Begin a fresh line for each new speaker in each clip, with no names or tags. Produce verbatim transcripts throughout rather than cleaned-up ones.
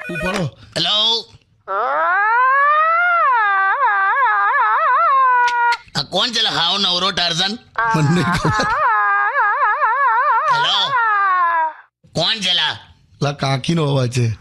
ઉપાડો.
હેલો આ કોણ છે હાવ નવરો ટાર્ઝન?
મને નહીં ખબર.
હેલો કોણ છે લા?
લા કાકીનો અવાજ છે.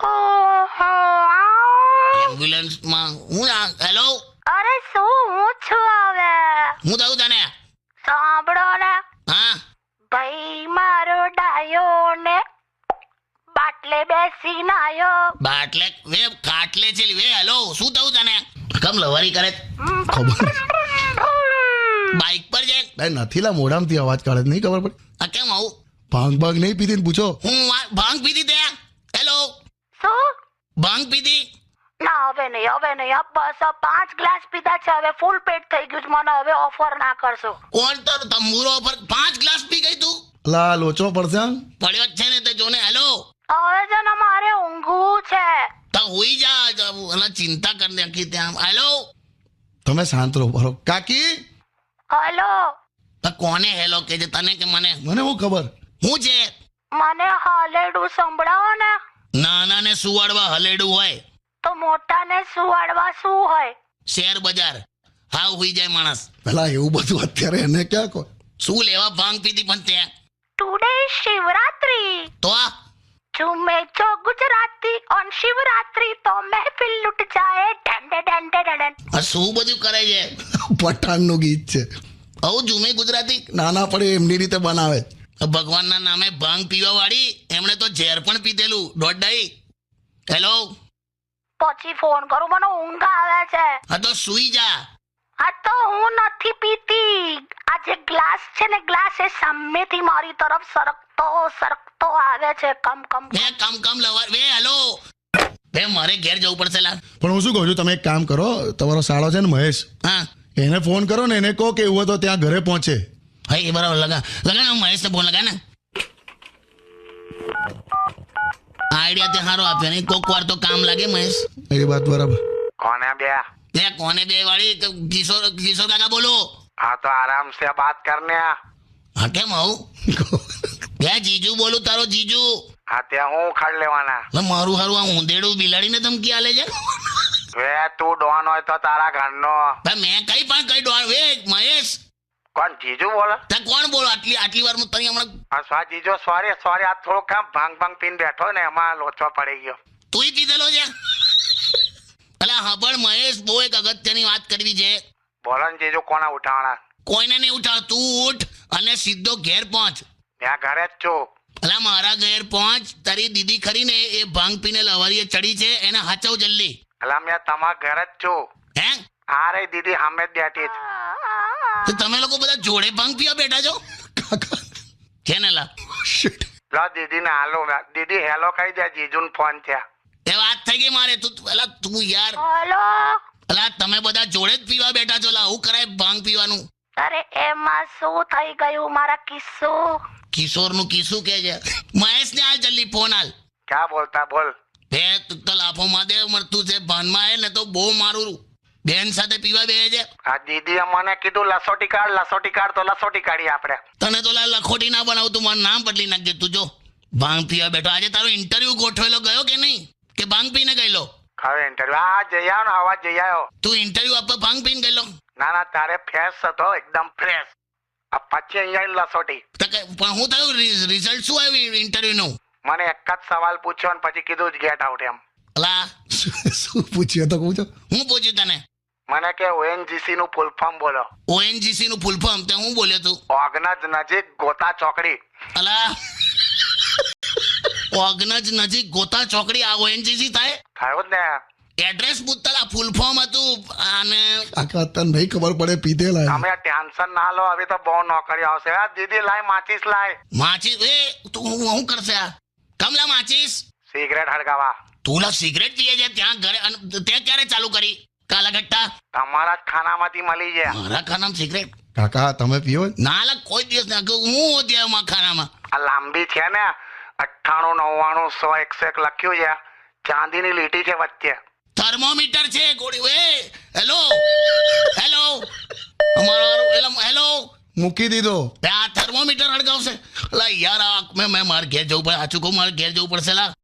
એમ્બ્યુલન્સમાં હું આ- હેલો
અરે શું હું છું હવે
હું થયું તને?
સાંભળો ને
હા
ભાઈ મારો ડાયો ને બાટલે બેસી નાયો
બાટલે વે ખાટલે છે વે. હેલો શું થયું તને? કમ લવારી કરે છે?
ખબર
બાઇક પર છે?
નહીં નથી લા મોઢામાંથી અવાજ કાઢે છે. નહીં ખબર પડે.
આ કેમ આવું?
ભાંગ ભાંગ નહીં પીધી ને પૂછો.
હું વા- ભાંગ પીધી તે? હેલો
શું
ભાંગ પીધી?
ના હવે નહીં હવે નહીં આ બસ આ પાંચ ગ્લાસ પીધા છે હવે ફૂલ પેટ થઈ ગયું છે મને હવે ઓફર ના કરશો
કોણ તો તંબુરો પર પાંચ ગ્લાસ પી ગઈ તું?
લા લોચો પડશે આમ.
પડ્યો જ છે ને તે જોને. હેલો
હવે છે ને મારે ઊંઘવું છે
તો હુઈ જા અને ચિંતા કરી નાખી ત્યાં. હેલો
તમે શાંત રહો બરો. કાકી
હલો
તો કોને હેલો કે છે તને કે મને?
મને હું ખબર.
હું છે
મને હાલેડું સંભળાવો ને
નાના ને સુવાડવા હલેડું હોય,
તો મોટા ને સુવાડવા શું હોય
શેર બજાર હાવ હુઈ જાય માણસ.
પેલા એવું બધું અત્યારે એને ક્યાં કહો.
શું લેવા ભાંગ પીધી પણ ત્યાં?
ટુડે શિવરાત્રી
તો આ
झूमे जो गुजराती on शिवरात्रि तो महफिल लुट जाए डंडे डंडे डंडे
આ શું બધું કરે છે?
પઠાણનું ગીત છે.
આવું જુમે ગુજરાતી
નાના પડે એમની રીતે બનાવે.
ભગવાનના નામે ભાંગ પીવા વાળી એમણે તો ઝેર પણ પીધેલું દોડાઈ. હેલો
પછી ફોન કરું મને ઊંઘ આવે છે
હા તો સુઈ જા.
આ તો હું નથી પીતી આ જે ગ્લાસ છે ને ગ્લાસ એ સામેથી મારી તરફ સરકતો સરકતો આવે છે કમ કમ
બે કામ કામ લવા બે. હેલો બે મારે ઘેર જવું પડશે લા.
પણ હું શું કહું છું તમે એક કામ કરો તમારો સાળો છે ને મહેશ
હા
એને ફોન કરો ને એને કહો કે એવું હોય તો ત્યાં ઘરે પહોંચે.
હા એ બરાબર લગા લગા ને મહેશને ફોન લગા ને. આઈડિયા તે સારો આપ્યો ને કોક વાર તો કામ લાગે મહેશ.
એ વાત બરાબર.
कौन है भैया?
બે કોને બે વાળી તો કિશોર કિશોર કાકા બોલો.
हाँ तो आराम से बात करने आ।
હા કેમ આવું? બે જીજુ બોલું તારો જીજુ.
हाँ ते हूँ खड़ लेवाना।
લે મારું હારું આ ઊંધેડું બિલાડીને ધમકી આલે છે.
वे तू डॉन हो तो तारा घर नो
ભાઈ મેં કઈ પણ કઈ ડોળ વે મહેશ
कौन जीजू बोला?
તે કોણ બોલો આટલી આટલી વાર હું તને હમણાં
हाँ स्वा जीजू सॉरी सॉरी आज थोड़ा काम भांग भांग पीन बैठो ने एमा लोचो पड़ी गयो।
તુંય પીધેલો છે? અલા હાબળ મહેશ બહુ એક અગત્યની વાત કરવી છે.
बोलो ने जीजू कोना उठावना?
કોઈને નહીં ઉઠાવ તું ઉઠ અને સીધો ઘેર પહોંચ.
मैं घरे ज छू।
અલા મારા ઘેર પહોંચ. તારી દીદી ખરી ને એ ભાંગ પીને લવારીએ ચડી છે એને હાચવ જલ્દી.
अला मैं तमा घरे ज छू।
હે
आ रही दीदी हमें बैठी ज।
તો તમે લોકો બધા જોડે ભાંગ પીવા બેઠા છો છે ને લા?
Shit.
लो दीदी ने हालो दीदी हेलो कही दे जीजू ने फोन थे।
એ વાત થઈ ગઈ મારે. તું અલા તું યાર
હલો
અલા તમે બધા જોડે જ પીવા બેઠા છો લા. હું કરાય ભાંગ પીવાનું?
અરે એમાં શું થઈ ગયું મારા કિસ્સો
કિશોરનું કિસ્સું કે છે. મહેશને હાલ જલ્દી ફોન હાલ.
क्या बोलता बोल?
બે તું તો લાફો માદે મળતું છે ભાનમાં આવે ને તો બહુ મારું બેન સાથે પીવા બે છે.
आ दीदी મને કીધું લસોટી કાઢ લસોટી કાઢ તો લસોટી કાઢી આપણે।
તને તો લા લખોટી ના બનાવતું મારું નામ બદલી નાખજે તું. જો ભાંગ પીવા બેઠો. આજે તારો ઇન્ટરવ્યુ ગોઠવેલો ગયો કે નહીં કે ભાંગ પીને ગયેલો?
હવે ઇન્ટરવ્યુ આ જઈ આવ્યો ને આવાજ જઈ આવ્યો।
તું ઇન્ટરવ્યુ આપવા ભાંગ પીને ગયેલો?
ના ના તારે ફ્રેશ હતો એકદમ ફ્રેશ। આ પછી અહીંયા લસોટી
તો કે- પણ હું થયું રિઝલ્ટ શું આવ્યું ઇન્ટરવ્યુ નું?
મને એક જ સવાલ પૂછ્યો ને પછી કીધું જ ગેટ આઉટ એમ।
અલા
શું પૂછ્યું તો કહું છો.
હું પૂછ્યું તને?
મને કે ઓએનજીસી નું ફૂલ ફોર્મ બોલો।
ઓએનજીસી નું ફૂલ ફોર્મ તે હું બોલ્યો તું?
ઓગનજ નજીક ગોતા ચોકડી।
અલા ઓગનજ નજીક ગોતા ચોકડી આ ઓએનજીસી થાય?
થયું જ ને।
એડ્રેસ પૂછતા ફૂલ ફોર્મ હતું અને
કાકા તને નહીં ખબર પડે પીધેલા.
તમે ટેન્શન ના લો હવે તો બહુ નોકરી આવશે। આ દીદી લાય માચીસ લાય
માચીસ એ તું હું હું કરશે આ કમલા માચીસ?
સિગરેટ હળગાવા।
તું લા સિગરેટ પીએ છે ત્યાં ઘરે અને તે ક્યારે ચાલુ કરી કાલા ગટ્ટા?
તમારા જ ખાનામાંથી મળી જાય।
મારા ખાનામાં સિગરેટ
કાકા તમે પીવો.
ના લા કોઈ દિવસ ના કહું હું હોતી એમાં ખાનામાં.
આ લાંબી છે ને અઠ્ઠાણું નવ્વાણું સો એકસો એક લખ્યું છે। ચાંદીની લીટી છે વચ્ચે।
થર્મોમીટર છે ગોળી. એ હેલો હેલો અમારો હેલો હેલો
મૂકી દીધો.
આ થર્મોમીટર હળગાવશે? લા યાર આ મેં મેં મારે ઘેર જવું પડે. સાચું કહું મારે ઘેર જવું પડશે લા.